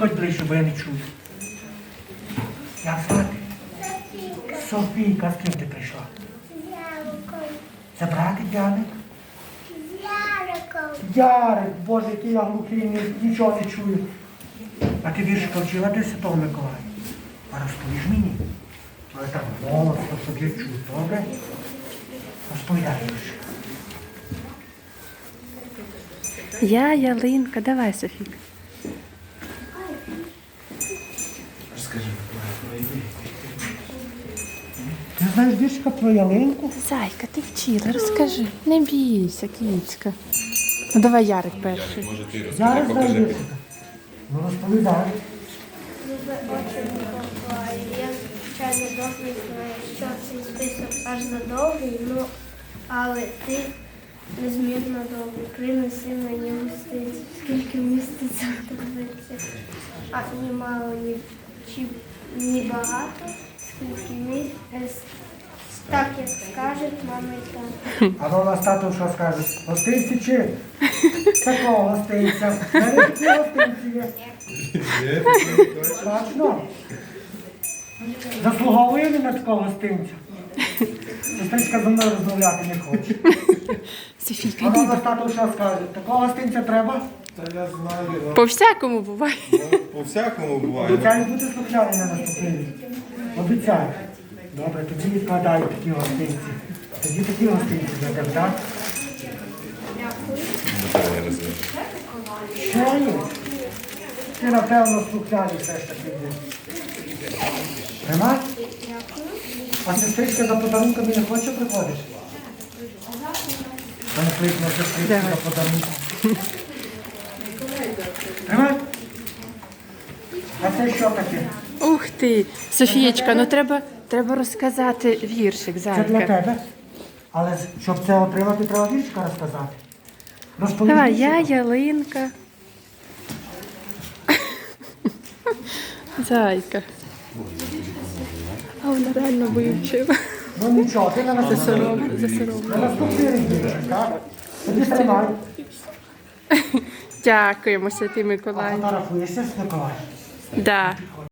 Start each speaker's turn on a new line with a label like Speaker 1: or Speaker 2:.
Speaker 1: підходь ближче, бо я не чую. Як звати? Софійка, з ким ти прийшла? Це братик Яник? Ярик, Боже, який я глухий, нічого не чую. А ти віршика вчила до Святого Миколая? А розповіш мені? Але так голосно, щоб я чую, добре? Розповідай віршик.
Speaker 2: Я ялинка. Давай, Софійка.
Speaker 3: Розкажи, про ідею.
Speaker 1: Ти знаєш віршика про ялинку?
Speaker 2: Зайка, ти вчила, розкажи. Не бійся, кіцька. Ну давай Ярик перший.
Speaker 3: Може ти розкажи,
Speaker 1: Зараз знаю
Speaker 3: покажи.
Speaker 1: віршика. Ну розповідай.
Speaker 4: Любе очі Миколаю, я звичайно добрий знаю, що цей список аж задовгий, ну, але ти незмірно довгий. Принеси мені гостинців, скільки міститься в таблиці. А ні мало, ні багато, скільки так, як скажуть мама і тато.
Speaker 1: А то у нас тато що скаже? Гостинці чи? Такого гостинця. Які гостинці є? Точно? Заслуговує він на такого гостинця? Сестричка зі мною розмовляти не хоче.
Speaker 2: Софійка,
Speaker 1: А то у
Speaker 2: йди.
Speaker 1: нас тато що скаже? Такого гостинця треба?
Speaker 3: Та я знаю,
Speaker 2: По всякому буває.
Speaker 3: по-всякому буває.
Speaker 1: Обіцяю бути слухняний на наступний рік. Обіцяю. Добре, тоді відкладаю такі гостинці. Тоді такі гостинці для тебе, так? Ще є? Ти, напевно, слухняний все ж таки був. Нема? А сестричка за подарунками не хоче приходиш? Мене кликнула сестричка за подарунком. Тримай. А це що таке?
Speaker 2: Ух ти. Софієчка, ну треба розказати віршик,
Speaker 1: Це для
Speaker 2: Зайка.
Speaker 1: тебе. Але щоб це отримати, треба віршика розказати. Розповідай.
Speaker 2: Давай, я ялинка. Зайка. А вона реально вивчила.
Speaker 1: Ну нічого, ти на наступний
Speaker 2: Засоромила.
Speaker 1: на наступний рік віршик, так? Тоді тримай.
Speaker 2: Дякуємо, Святий
Speaker 1: А
Speaker 2: Миколай.
Speaker 1: фотографуєшся з Миколаєм?
Speaker 2: Да.